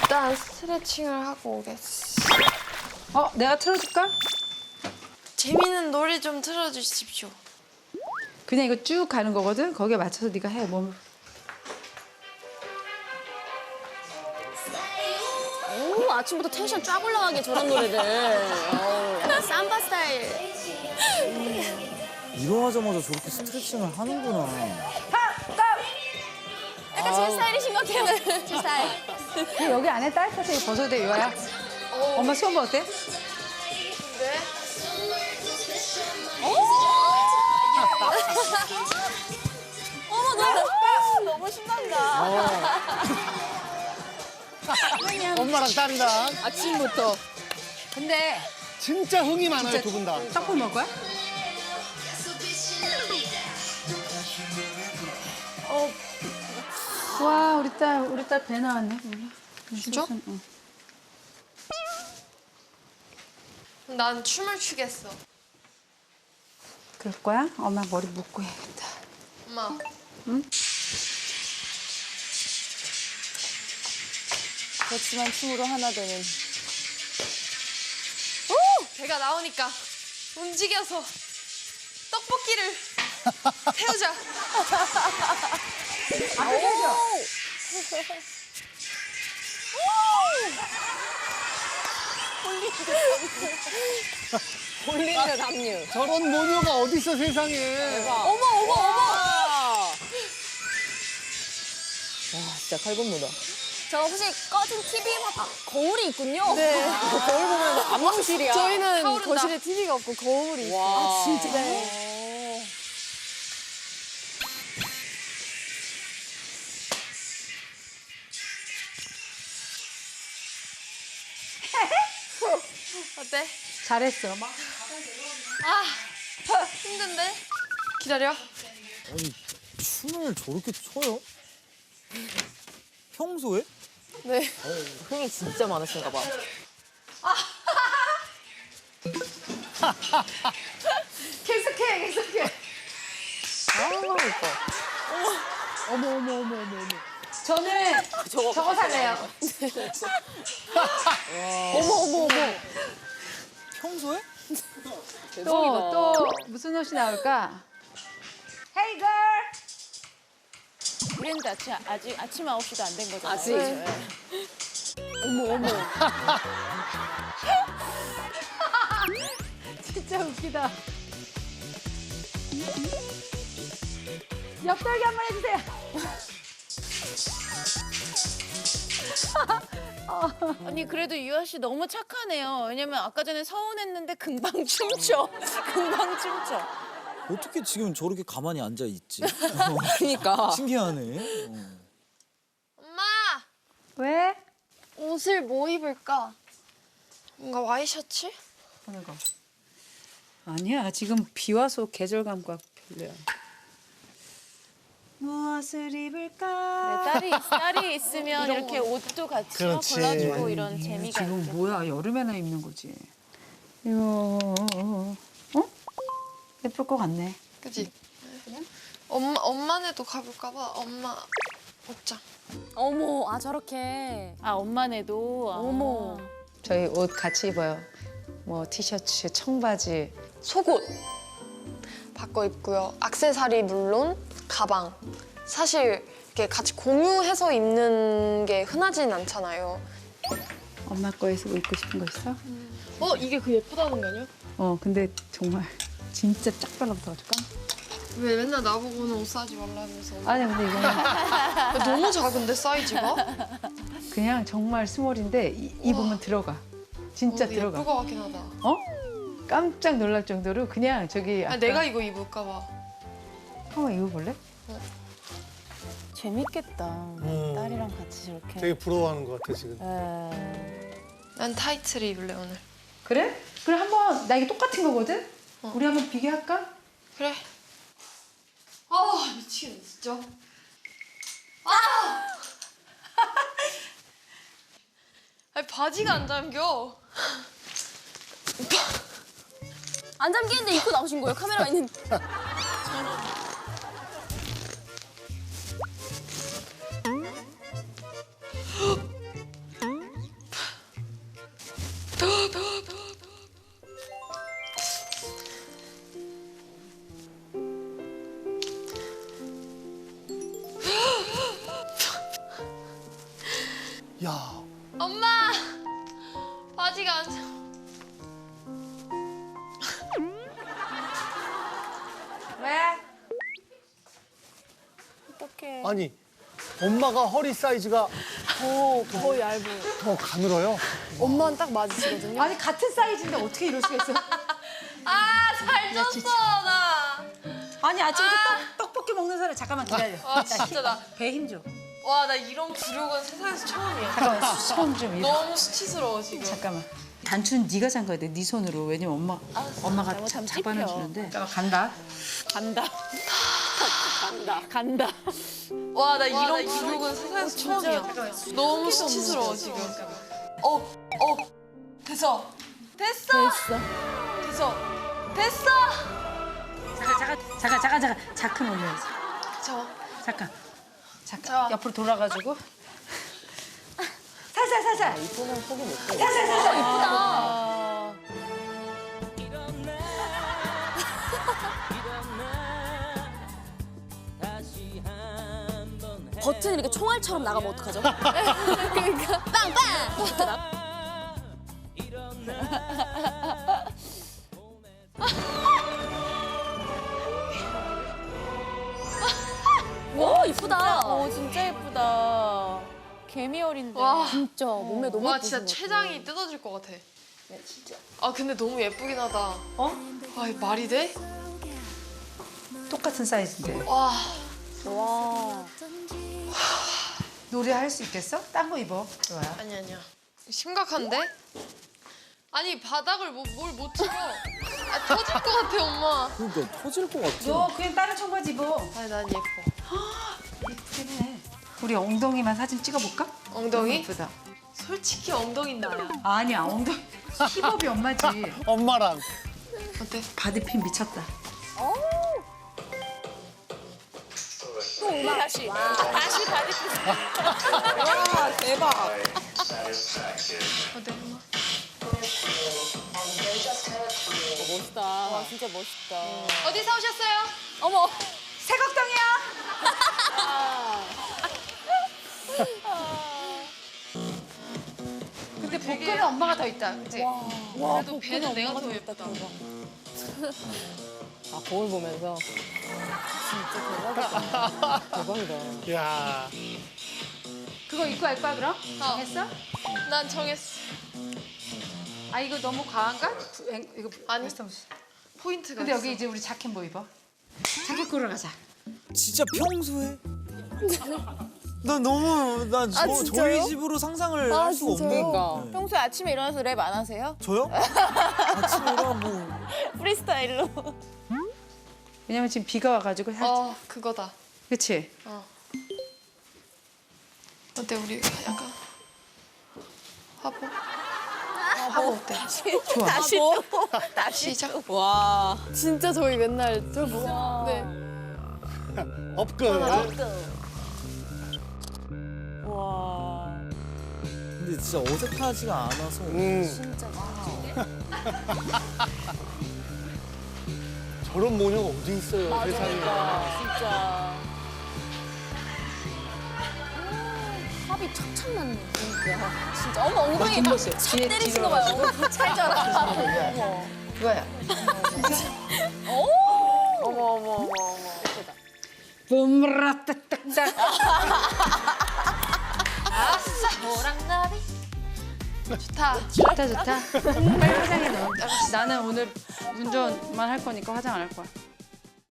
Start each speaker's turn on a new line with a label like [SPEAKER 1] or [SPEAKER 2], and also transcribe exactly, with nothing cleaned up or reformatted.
[SPEAKER 1] 일단 스트레칭을 하고 오겠어.
[SPEAKER 2] 어, 내가 틀어줄까?
[SPEAKER 1] 재밌는 노래 좀 틀어주십시오.
[SPEAKER 2] 그냥 이거 쭉 가는 거거든. 거기에 맞춰서 네가 해. 몸을.
[SPEAKER 3] 오, 아침부터 텐션 쫙 올라가게 저런 노래들. 어우, 약간 삼바 스타일.
[SPEAKER 4] 일어나자마자 저렇게 스트레칭을 하는구나.
[SPEAKER 3] 약간 제 스타일이신 것 같아요. 제 스타일.
[SPEAKER 2] 근데 여기 안에 따뜻해서 이거 벗어도 돼, 유아야. 엄마 수업 어때?
[SPEAKER 1] 네?
[SPEAKER 3] 어머, 너무, 너무 신난다.
[SPEAKER 5] 엄마랑 딸이랑
[SPEAKER 3] 아침부터.
[SPEAKER 2] 근데
[SPEAKER 5] 진짜 흥이 많아요, 두 분 다.
[SPEAKER 2] 떡볶이 먹을 거야? 어. 와, 우리 딸, 우리 딸 배 나왔네.
[SPEAKER 1] 진짜?
[SPEAKER 2] 응.
[SPEAKER 1] 난 춤을 추겠어.
[SPEAKER 2] 그럴 거야? 엄마 머리 묶고 해야겠다.
[SPEAKER 1] 엄마.
[SPEAKER 3] 그렇지만 춤으로 하나 되는.
[SPEAKER 1] 배가 나오니까 움직여서 떡볶이를 태우자.
[SPEAKER 2] 앞에 해줘.
[SPEAKER 3] 볼링과 남녀.
[SPEAKER 5] 저런 모녀가 어딨어, 세상에.
[SPEAKER 3] 어머, 어머, 어머! 와, 진짜 칼군무다. 저 혹시 꺼진 티비가 거울이 있군요? 네. 거울 보면 안망실이야.
[SPEAKER 1] 저희는
[SPEAKER 3] 타오른다.
[SPEAKER 1] 거실에 티비가 없고 거울이 있어요.
[SPEAKER 3] 와. 아, 진짜?
[SPEAKER 1] 네. 어때?
[SPEAKER 2] 잘했어. 막.
[SPEAKER 1] 아, 힘든데? 기다려.
[SPEAKER 4] 아니, 춤을 저렇게 춰요? 평소에?
[SPEAKER 1] 네.
[SPEAKER 3] 흥이 진짜 많으신가 봐.
[SPEAKER 2] 계속해, 계속해.
[SPEAKER 3] 아, 이뻐.
[SPEAKER 2] 어머, 어머, 어머, 어머, 어머. 저는
[SPEAKER 3] 저거,
[SPEAKER 2] 저거 살래요.
[SPEAKER 3] 어머, 어머, 어머.
[SPEAKER 4] 평소에?
[SPEAKER 2] 또, 또 무슨 옷이 나올까? Hey girl!
[SPEAKER 6] 그랬는데 아침, 아직 아침 아홉 시도 안 된 거잖아요.
[SPEAKER 3] 아직.
[SPEAKER 6] 네.
[SPEAKER 3] 어머, 어머.
[SPEAKER 2] 진짜 웃기다. 옆돌기 한 번 해주세요.
[SPEAKER 6] 아니 그래도 유아 씨 너무 착하네요. 왜냐면 아까 전에 서운했는데 금방 춤춰. 금방 춤춰.
[SPEAKER 4] 어떻게 지금 저렇게 가만히 앉아 있지?
[SPEAKER 3] 그니까.
[SPEAKER 4] 신기하네. 어.
[SPEAKER 1] 엄마!
[SPEAKER 2] 왜?
[SPEAKER 1] 옷을 뭐 입을까? 뭔가 와이셔츠?
[SPEAKER 2] 어느 거? 아니야, 지금 비 와서 계절감과 별로야. 무엇을 입을까?
[SPEAKER 6] 네, 딸이 딸이 있으면 이렇게 옷도 같이
[SPEAKER 5] 그렇지.
[SPEAKER 6] 골라주고 이런 재미가
[SPEAKER 2] 지금
[SPEAKER 6] 있죠.
[SPEAKER 2] 뭐야, 여름에나 입는 거지. 이거 어? 예쁠 것 같네.
[SPEAKER 1] 그지? 엄마, 엄마네도 가볼까 봐. 엄마 옷장.
[SPEAKER 3] 어머, 아, 저렇게.
[SPEAKER 6] 아 엄마네도. 아.
[SPEAKER 3] 어머.
[SPEAKER 2] 저희 옷 같이 입어요. 뭐 티셔츠, 청바지.
[SPEAKER 1] 속옷 바꿔 입고요. 액세서리 물론 가방. 사실 이렇게 같이 공유해서 입는 게 흔하진 않잖아요.
[SPEAKER 2] 엄마 거에서 뭐 입고 싶은 거 있어?
[SPEAKER 1] 어 이게 그 예쁘다는 거 아니야?
[SPEAKER 2] 어, 근데 정말 진짜 짝 달라붙어 가지고.
[SPEAKER 1] 왜 맨날 나보고는 옷 사지 말라면서.
[SPEAKER 2] 아니 근데 이거는
[SPEAKER 1] 너무 작은데 사이즈가?
[SPEAKER 2] 그냥 정말 스몰인데 이, 입으면 들어가. 진짜
[SPEAKER 1] 어,
[SPEAKER 2] 들어가.
[SPEAKER 1] 예쁠 것 같긴 하다.
[SPEAKER 2] 어? 깜짝 놀랄 정도로 그냥 저기
[SPEAKER 1] 아니, 내가 이거 입을까 봐.
[SPEAKER 2] 한번 입어볼래?
[SPEAKER 6] 재밌겠다.
[SPEAKER 5] 음.
[SPEAKER 6] 딸이랑 같이 저렇게.
[SPEAKER 5] 되게 부러워하는 것 같아, 지금.
[SPEAKER 6] 에...
[SPEAKER 1] 난 타이트를 입을래 오늘.
[SPEAKER 2] 그래? 그래 한번 나 이게 똑같은 거거든?
[SPEAKER 1] 어.
[SPEAKER 2] 우리 한번 비교할까?
[SPEAKER 1] 그래. 아 미치겠네 진짜. 아! 아니 바지가 안 잠겨.
[SPEAKER 3] 안 잠기는데 입고 나오신 거예요? 카메라가 있는.
[SPEAKER 5] 야,
[SPEAKER 1] 엄마! 바지가 안 차.
[SPEAKER 3] 어떡해.
[SPEAKER 5] 아니 엄마가 허리 사이즈가
[SPEAKER 3] 더, 더 얇은.
[SPEAKER 5] 더 가늘어요.
[SPEAKER 3] 엄마는 딱 맞으시거든요.
[SPEAKER 2] 아니 같은 사이즈인데 어떻게 이럴 수가 있어?
[SPEAKER 1] 아, 살쪘어, 나.
[SPEAKER 2] 아니 아침부터 떡, 떡볶이 먹는 사람 잠깐만 기다려.
[SPEAKER 1] 와, 진짜 나.
[SPEAKER 2] 배 힘 줘.
[SPEAKER 1] 와, 나 이런 굴욕은 세상에서 처음이야.
[SPEAKER 2] 잠깐만 손좀 이렇게.
[SPEAKER 1] 너무 수치스러워, 지금.
[SPEAKER 2] 잠깐만. 단추는 네가 잠가야 돼. 네 손으로. 왜냐면 엄마 엄마가
[SPEAKER 3] 잘못하면
[SPEAKER 2] 자-
[SPEAKER 3] 찝혀.
[SPEAKER 2] 잡아놔주는데. 잠깐 간다.
[SPEAKER 3] 간다. 간다. 간다.
[SPEAKER 1] 와, 나 이런 굴욕은 세상에서 처음이야. 너무 수치스러워, 지금. 어, 어. 됐어. 됐어.
[SPEAKER 3] 됐어.
[SPEAKER 1] 됐어. 됐어.
[SPEAKER 2] 잠깐 잠깐 잠깐 잠깐 잠깐 자크 올려야지.
[SPEAKER 1] 저.
[SPEAKER 2] 잠깐. 잠깐.
[SPEAKER 1] 자.
[SPEAKER 2] 옆으로 돌아가지고. 살살 살살.
[SPEAKER 3] 이쁘면 포기 못해.
[SPEAKER 2] 살살 살살.
[SPEAKER 3] 아. 버튼 이렇게 총알처럼 나가면 어떡하죠? 그러니까 빵빵! 와 이쁘다. 오 진짜 이쁘다. 개미 어린데.
[SPEAKER 1] 와.
[SPEAKER 3] 진짜 몸매 너무
[SPEAKER 1] 와,
[SPEAKER 3] 예쁘신
[SPEAKER 1] 진짜
[SPEAKER 3] 것 같아.
[SPEAKER 1] 췌장이 뜯어질 것 같아. 진짜. 아, 근데 너무 예쁘긴 하다.
[SPEAKER 2] 어?
[SPEAKER 1] 아, 이 말이 돼?
[SPEAKER 2] 똑같은 사이즈인데.
[SPEAKER 1] 와.
[SPEAKER 3] 와.
[SPEAKER 2] 노래 할 수 있겠어? 딴 거 입어. 좋아요.
[SPEAKER 1] 아니, 아니야. 심각한데? 아니, 바닥을 뭐, 뭘 못 찍어. 아, 터질 것 같아, 엄마.
[SPEAKER 4] 그러니까 터질 것 같아.
[SPEAKER 2] 너 그냥 다른 청바지 입어.
[SPEAKER 1] 아니, 난 예뻐.
[SPEAKER 2] 예쁘긴 해. 우리 엉덩이만 사진 찍어볼까?
[SPEAKER 1] 엉덩이?
[SPEAKER 2] 예쁘다.
[SPEAKER 1] 솔직히 엉덩이는 나야.
[SPEAKER 2] 아니야 엉덩이. 힙업이 엄마지.
[SPEAKER 5] 엄마랑.
[SPEAKER 1] 어때?
[SPEAKER 2] 바디핀 미쳤다.
[SPEAKER 3] 또 음악 다시. 다시 바디 와 대박.
[SPEAKER 1] 어때, 엄마?
[SPEAKER 3] 멋있다. 와 진짜 멋있다.
[SPEAKER 1] 어디서 오셨어요?
[SPEAKER 3] 어머.
[SPEAKER 2] 새곡동이야. 근데 복근은 엄마가 더 있다. 그치?
[SPEAKER 1] 그래도 배는 내가 더 예쁘다.
[SPEAKER 3] 아 거울 보면서. 진짜 대박이다. 대박이다.
[SPEAKER 5] 야,
[SPEAKER 2] 그거 입고 할 거야 그럼?
[SPEAKER 1] 어.
[SPEAKER 2] 정했어?
[SPEAKER 1] 난 정했어.
[SPEAKER 2] 아 이거 너무 과한가? 이거
[SPEAKER 1] 아니.
[SPEAKER 2] 웨스턴.
[SPEAKER 1] 포인트가
[SPEAKER 2] 근데
[SPEAKER 1] 있어.
[SPEAKER 2] 여기 이제 우리 자켓 뭐 입어? 자켓 고르러 가자.
[SPEAKER 4] 진짜 평소에? 나 너무 난 저,
[SPEAKER 3] 아, 진짜요?
[SPEAKER 4] 저희 집으로 상상을
[SPEAKER 3] 아,
[SPEAKER 4] 할 수가
[SPEAKER 3] 진짜요?
[SPEAKER 4] 없는.
[SPEAKER 3] 그러니까.
[SPEAKER 4] 네.
[SPEAKER 6] 평소에 아침에 일어나서 랩 안 하세요?
[SPEAKER 4] 저요? 아침에 일어나 뭐
[SPEAKER 6] 프리스타일로.
[SPEAKER 2] 왜냐면 지금 비가 와가지고 살.
[SPEAKER 1] 어, 그거다.
[SPEAKER 2] 그치?
[SPEAKER 1] 어. 어때, 우리 약간 화보? 화보 어때?
[SPEAKER 2] 좋아.
[SPEAKER 6] 다시 또.
[SPEAKER 1] 시작.
[SPEAKER 3] 와. 진짜 저희 맨날 저 뭐. 네.
[SPEAKER 5] 업근.
[SPEAKER 3] 와.
[SPEAKER 4] 근데 진짜 어색하지가 않아서
[SPEAKER 5] 음.
[SPEAKER 3] 진짜.
[SPEAKER 5] 저런 모녀가 어디 있어요, 세상에.
[SPEAKER 3] 진짜. 합이 척척 맞네. 진짜. 진짜. 어머 엉덩이 막
[SPEAKER 2] 뒷모습.
[SPEAKER 3] 착
[SPEAKER 2] 뒤에
[SPEAKER 3] 때리신 거 봐요. 어머 찰져라. 어머.
[SPEAKER 2] 그거야.
[SPEAKER 3] 어머 어머 어머 어머.
[SPEAKER 2] 봄라 딱딱딱.
[SPEAKER 1] 아싸, 너랑 나비. 좋다.
[SPEAKER 2] 좋다 좋다. 빨리 화장해 너. 나는 오늘 운전만 할 거니까 화장 안 할 거야.